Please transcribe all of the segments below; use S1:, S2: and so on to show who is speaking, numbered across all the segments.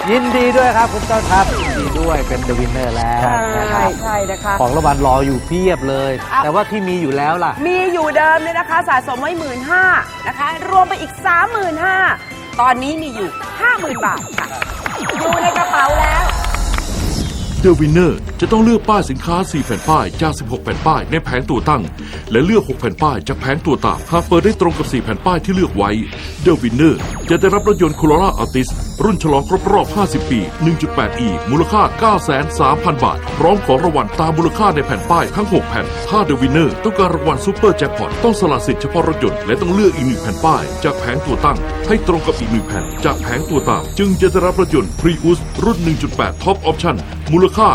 S1: ยินดีด้วยครับคุณต้นครับยินดีด้วยเป็นเดอะวินเนอร์แล้วนะครับ
S2: ใช่นะคะ
S1: ของรางวัลรออยู่เพียบเลย แต่ว่าที่มีอยู่แล้วล่ะ
S2: มีอยู่เดิมเนี่ยนะคะสะสมไว้15,000นะคะรวมไปอีก 35,000ตอนนี้มีอยู่ 50,000 บาทค่ะอยู่ในกระเป๋าแล้ว
S3: The Winner จะต้องเลือกป้ายสินค้า 4 แผ่นป้ายจาก 16 แผ่นป้ายในแผงตัวตั้ง และเลือก 6 แผ่นป้ายจากแผงตัวตามหากเปิดได้ตรงกับ 4 แผ่นป้ายที่เลือกไว้ The Winner จะได้รับรถยนต์ Corolla Altis รุ่นฉลองครบรอบ 50 ปี 1.8e มูลค่า 930,000 บาท พร้อมของรางวัลตามมูลค่าในแผ่นป้ายทั้ง 6 แผ่น ถ้า The Winner ต้องการรางวัลซูเปอร์แจ็คพอตต้องสละสิทธิ์เฉพาะรถยนต์และต้องเลือกอีก 1 แผ่นป้ายจากแผงตัวตั้ง ให้ตรงกับอีก 1 แผ่นจากแผงตัวตาม จึงจะได้รับรถยนต์ Prius รุ่น 1.8 Top Option มูลค่า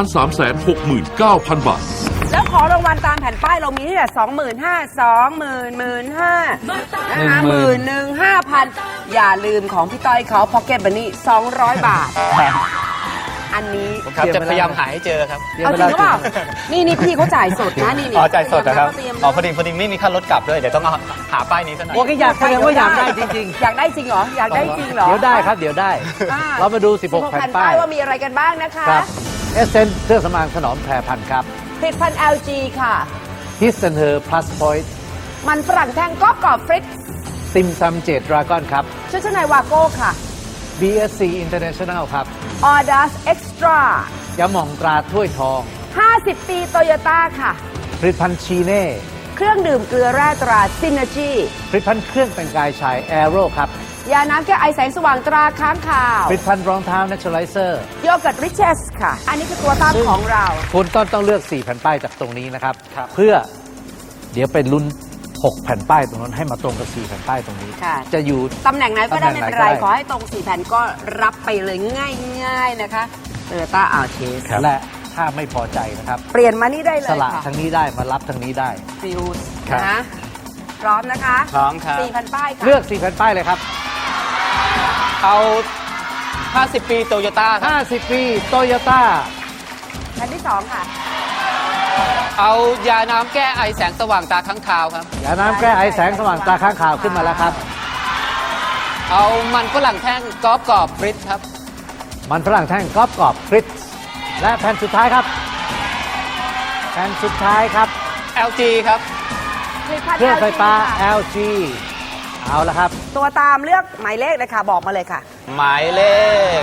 S3: 1,369,000 บาท
S2: แล้วของรางวัลตามแผ่นป้ายเรามีที่แต่25,000 15,000นะคะ11,500อย่าลืมของพี่ต้อยเขา Pocket Money 200 บาท อันนี้
S4: ครับจะพยายามหาให้เจอครับ
S2: เอาจริงหรือเปล่านี่พี่เขาจ่ายสดนะนี่
S4: อ๋อจ่ายสดนะครับ
S2: เตรียม
S4: อ๋อพอดีไม่มีค่ารถกลับด้วยเดี๋ยวต้องเอาหาป้ายนี้ซะหน่อย
S1: โอเคอยากแสดงว่าอยากได้จริง
S2: อยากได้จริงเหรออยากได้จริงเหรอ
S1: ๆ เดี๋ยวได้ครับเดี๋ยวได้
S2: อ่
S1: เรามาดู 16 แผ่นป้าย
S2: ว่ามีอะไรกันบ้างนะคะ
S1: ครับเอเซนเครื่องสำอางถนอมแพรพันธุ์ครับ
S2: ผลิตภัณฑ์ LG ค่ะ
S1: His and Her Plus Point
S2: มันฝรั่งแท่งกรอบฟริก
S1: ติมซำเจดดราก้อนครับ
S2: ชุดชั้นในวาโก้ค่ะ
S1: BSC International ครับ
S2: Audace Extra
S1: ยาหม่องตราถ้วยทอง
S2: 50 ปีโตโยต้าค่ะ
S1: ผลิตภัณฑ์ชีเน่
S2: เครื่องดื่มเกลือแร่ตรา Synergy
S1: ผลิตภัณฑ์เครื่องแต่งกายชายแอโร่ครับ
S2: ยาน้ำแก้ไอแสงสว่างตราค้างคาว
S1: ผลิตภัณฑ์รองเท้า Naturalizer
S2: โยเกิร์ต Riches ค่ะ อันนี้คือตัวตามของเรา
S1: คุณต้องเลือก 4 แผ่นป้ายจากตรงนี้นะครับ เพื่อเดี๋ยวเป็นลุ้น 6 แผ่นป้ายตรงนั้นให้มาตรงกับ 4 แผ่นป้ายตรงนี้
S2: ค่ะ
S1: จะอยู่
S2: ตำแหน่งไหนก็ได้ไม่เป็นไร
S1: ตำแหน่งไหนก็ได้
S2: ขอให้ตรง 4 แผ่นก็รับไปเลยง่ายๆนะคะโตโยต้าอาร์เชส
S1: และถ้าไม่พอใจนะครับ
S2: เปลี่ยนมานี่ได้เล
S1: ส
S2: ย
S1: ละ
S2: ค่ะ
S1: ทางนี้ได้มารับทางนี้ได้
S2: ฟิวส์
S1: ครับ
S2: นะพร้อมนะคะ
S4: พร้อมครับ
S2: 4 แผ่นป้ายค่ะ
S1: เลือก 4 แผ่นป้ายเลยครับ
S4: เอา 50 ปีโตโยต้าครับ
S1: 50 ปีโตโยต้า
S2: แผ่นที่ 2 ค่ะ
S4: เอายาน้ำแก้ไอแสงสว่างตาค้างคาวครับ
S1: ยาน้ำแก้ไอแสงสว่างตาข้างข่าวขึ้นมาแล้วครับ
S4: เอามันฝรั่งแท่งกรอบกรอบฟริตครับ
S1: มันฝรั่งแท่งกรอบกรอบฟริตและแผ่นสุดท้ายครับ แผ่นสุดท้ายครับ
S4: LG ครับ
S2: ผลิตภัณฑ์
S1: เครื่องไฟฟ้า
S2: LG ค่ะ
S1: LG เอาละครับ
S2: ตัวตามเลือกหมายเลขเลยค่ะ บอกมาเลยค่ะ
S4: หมายเลข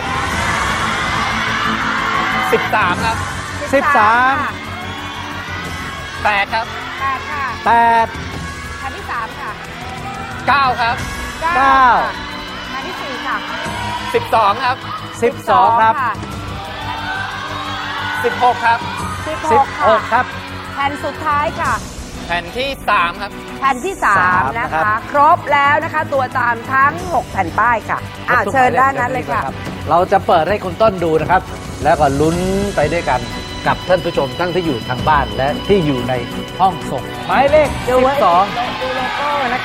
S4: 13 ครับ
S1: 13
S2: ค่ะ
S4: 8 ครับ
S2: 8 ค่ะ
S1: 8
S2: แผ่นที่ 3 ค่ะ
S4: 9 ครับ
S1: เก้า
S2: ค่ะแผ่นที่ 4 ค่ะ
S4: 12 ครับ
S1: 12 ครับ
S2: ะ
S4: 16 ครับ
S2: 16 ค่ะ
S1: 16 ครับ
S2: แผ่นสุดท้ายค่ะ
S4: แผ่นที่ 3 ครับ
S2: แผ่นที่
S1: สาม
S2: 3 นะ
S1: นะครั
S2: คะ
S1: บ
S2: ครบแล้วนะคะ ตัวตามทั้ง 6 แผ่นป้ายค่ะเชิญด้านนั้นเลยค่ะ
S1: เราจะเปิดให้คุณต้นดูนะครับ แล้วก็ลุ้นไปด้วยกันกับท่านผู้ชมทั้งที่อยู่ทางบ้านและที่อยู่ในห้องส่งหมายเลข
S2: ดูไว้
S1: 12
S2: ดูโลโก้นะ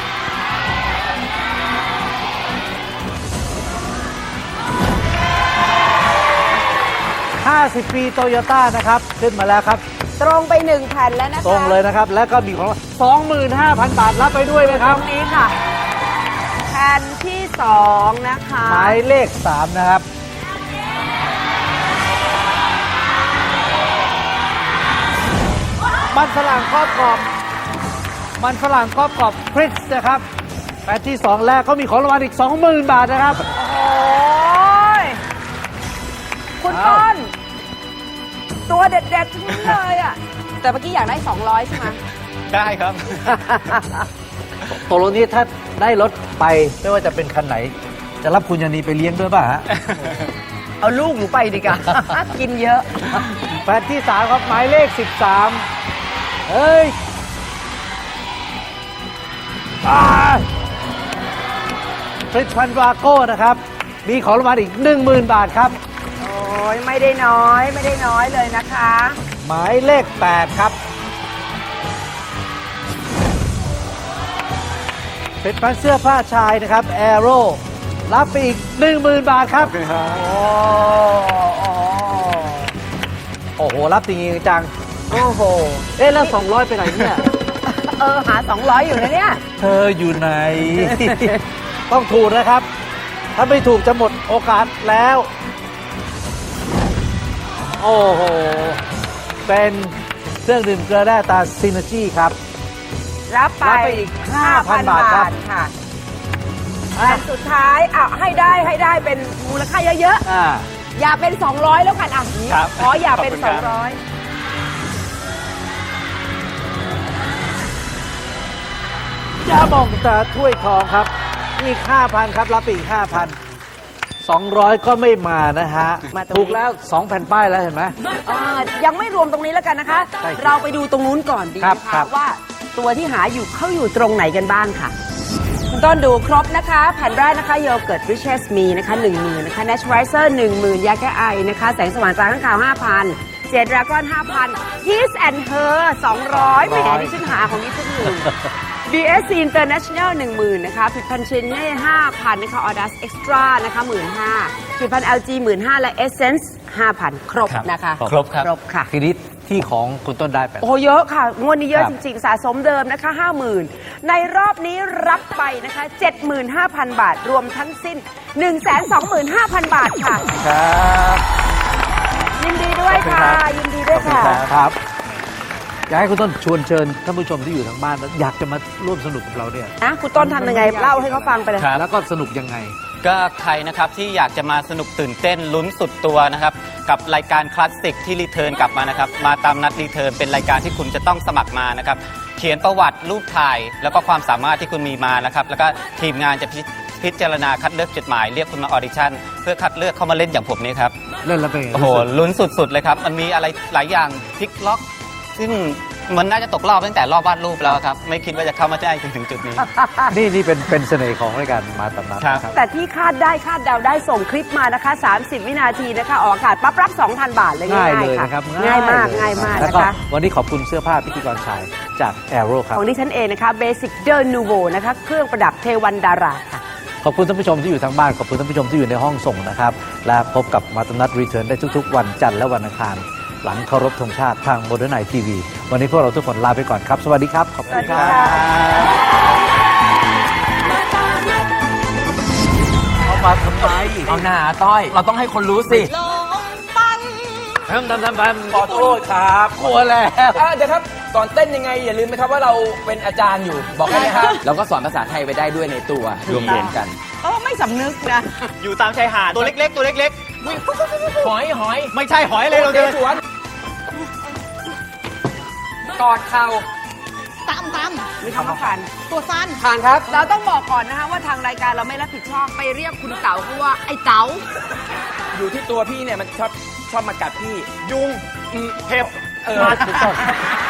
S1: 50 ปีโตโยต้านะครับ ขึ้นมาแล้วครับ
S2: ตรงไป 1 แผ่นแล้วนะคะ
S1: ตรงเลยนะครับ แล้วก็มีของรางวัล 25,000 บาทรับไปด้วยนะค
S2: ต
S1: รั
S2: ร
S1: บ
S2: งนี้ค่ะ แผ่นที่ 2 นะคะ
S1: หมายเลข 3 นะครับ มันฝรั่งกรอบกรอบ มันฝรั่งกรอบกรอบฟริตซ์นะครับแผ่นที่ 2 แล้วก็มีของรางวัลอีก 20,000 บาทนะครับ
S2: โอ้ยคุณต้น ตัวเด็ดๆทั้งนั้นเลยอ่ะ แต่เมื่อกี้อยากได้ 200 ใช่ไหม
S4: ได้ครับ
S1: ตกลงนี้ถ้าได้รถไปไม่ว่าจะเป็นคันไหน จะรับคุณยานีไปเลี้ยงด้วยป่ะฮะ
S2: เอาลูกหนูไปดีกว่า กินเยอะ
S1: แผ่นที่ 3 ครับ หมายเลข 13 เฮ้ยผลิตภัณฑ์วาโก้นะครับ มีของรางวัลอีก 10,000 บาทครับ
S2: โอ้ยไม่ได้น้อยไม่ได้น้อยเลยนะคะ
S1: หมายเลข 8 ครับผลิตภัณฑ์เสื้อผ้าชายนะครับแอโร่รับไปอีก 10,000 บาทครับ โอ้โห รับจริงๆจัง
S2: โอ้โห
S1: เอ๊ะแล้ว 200 ไปไหนเนี่ย
S2: หา 200 อยู่นะเนี่ย
S1: เธออยู่ไหน ต้องถูกนะครับ ถ้าไม่ถูกจะหมดโอกาสแล้วโอ้โห เป็นเครื่องดื่มเกลือแร่ตาซินเนจีครับ
S2: รับไป
S1: รับไปอีก 5,000 บาทครับ
S2: ค่ะแต่สุดท้ายให้ได้เป็นมูลค่าเยอะ
S1: อ่า
S2: ๆ อย่าเป็น 200 แล้วกันอ่ะ
S4: ครับ
S2: ขออย่าเป็น
S4: ขอบคุณครับ
S2: 200
S1: ยาหม่องตาถ้วยทองครับ อีก 5,000 ครับ รับไปอีก 5,000 200 ก็ไม่มานะฮะ
S2: มาตรงนี้
S1: ถูกแล้ว 2 แผ่นป้ายแล้วเห็นไหม
S2: ยังไม่รวมตรงนี้แล้วกันนะคะ
S1: ใช่ครับ
S2: เราไปดูตรงนู้นก่อนดี
S1: ครับ
S2: นะ
S1: ครั
S2: คะ
S1: บ
S2: ว่าตัวที่หาอยู่เขาอยู่ตรงไหนกันบ้างค่ะ คุณต้นดูครบนะคะ แผ่นแรกนะคะโยเกิร์ตริชเชสมีนะคะ 10,000 นะคะ Naturalizer 10,000 ยาแก้ไอนะคะ แสงสว่างจากข้างข่าว 5,000 เจดดราก้อน 5,000 His and Her 200แหมดิฉันหาของนี้ทุกหนึ่ง BSC International 10,000 นะคะผลิตภัณฑ์ชินเน่ 5,000 นะคะ Audas Extra นะคะ 15,000 ผลิตภัณฑ์ LG 15,000 และ Essence 5,000 ครบนะคะ
S4: ครบครับ
S2: ครบค่ะ
S1: ทีนี้ที่ของคุณต้นได้ไป
S2: โอ้เยอะค่ะ งวดนี้เยอะ
S1: ครับ
S2: จริง ๆ สะสมเดิมนะคะ 50,000 ในรอบนี้รับไปนะคะ 75,000 บาท รวมทั้งสิ้น 125,000 บาทค่ะ
S1: ครับ
S2: ยินดีด้วยค่ะ ยินดีด้วยค่ะ
S1: ครับ อยากให้คุณต้นชวนเชิญท่านผู้ชมที่อยู่ทางบ้านแล้วอยากจะมาร่วมสนุกกับเราเนี่ย
S2: นะ คุณต้นทำยังไง เล่าให้เขาฟังไปเลย
S4: ครับ
S1: แล้วก็สนุกยังไง
S4: ก็ใครนะครับที่อยากจะมาสนุกตื่นเต้นลุ้นสุดตัวนะครับกับรายการคลาสสิกที่รีเทิร์นกลับมานะครับมาตามนัดรีเทิร์นเป็นรายการที่คุณจะต้องสมัครมานะครับเขียนประวัติรูปถ่าย แล้วก็ความสามารถที่คุณมีมานะครับแล้วก็ทีมงานจะพิจารณาคัดเลือกจดหมายเรียกคุณมาออดิชั่นเพื่อคัดเลือกเข้ามาเล่นอย่างผมนี่ครับ
S1: เล่นแล้วเป็นไง
S4: โอ้โหลุ้นสุดๆเลยครับมันมีอะไรหลายอย่างพลิกล็อก ซึ่งมันน่าจะตกรอบตั้งแต่รอบวาดรูปแล้วครับไม่คิดว่าจะเข้ามาได้ถึงจุดนี้
S1: นี่เป็นเสน่ห์ของรายการมาตามนัด
S4: ครับ
S1: นะครับ
S2: แต่ที่คาดได้คาดเดาได้ส่งคลิปมานะคะ 30 วินาทีนะคะออกอากาศปั๊บรับ 2,000 บาทเลย
S1: ง่าย
S2: ง่าย
S1: เลย
S2: ๆค่ะ
S1: นะครับ
S2: ง่ายมาก
S1: เล
S2: ง่ายมาก
S1: แล้ว
S2: นะ
S1: ก็
S2: คะ
S1: วันนี้ขอบคุณเสื้อผ้าพิธีกรชายจาก Aero ครับ
S2: ของดิฉันเองนะคะ Basic The Nouveau นะคะ เครื่องประดับเทวันดาราค่ะ
S1: ขอบคุณท่านผู้ชมที่อยู่ทางบ้าน ขอบคุณท่านผู้ชมที่อยู่ในห้องส่งนะครับ และพบกับมาตามนัดรีเทิร์นได้ทุกๆ วันจันทร์และวันอังคาร หลังเคารพธงชาติทาง Modern Night TV วันนี้พวกเราทุกคนลาไปก่อนครับ สวัสดีครับ ขอบคุณครั
S2: สวัสดีค่ะ
S1: บเอามาทำไม
S5: เอาหน้าต้อย เราต้องให้คนรู้สิ
S1: ทำขอโทษครับกลัวแล้ว
S5: เดี๋ยวครับ ก่อนเต้นยังไง อย่าลืมนะครับว่าเราเป็นอาจารย์อยู่ บอกได้ไหมครับ เราก็สอนภาษาไทยไปได้ด้วยในตัวรวมๆกัน
S2: ไม่สำนึกนะ
S4: อยู่ตามชายหาดตัวเล็กๆ ตัวเล็ก
S5: หอยหอย
S4: ๆ ไม่ใช่หอยเลยเราเดิน
S5: สวนกอดเข่า
S2: มีคำว่าผ่าน
S5: ผ่านครับ
S2: เราต้องบอกก่อนนะคะว่าทางรายการเราไม่รับผิดชอบไปเรียกคุณเต๋าเขาว่าไอ้เต๋า
S5: อยู่ที่ตัวพี่เนี่ยมันชอบมากัดพี่
S4: ยุงเห็บ
S5: ถูกต้อง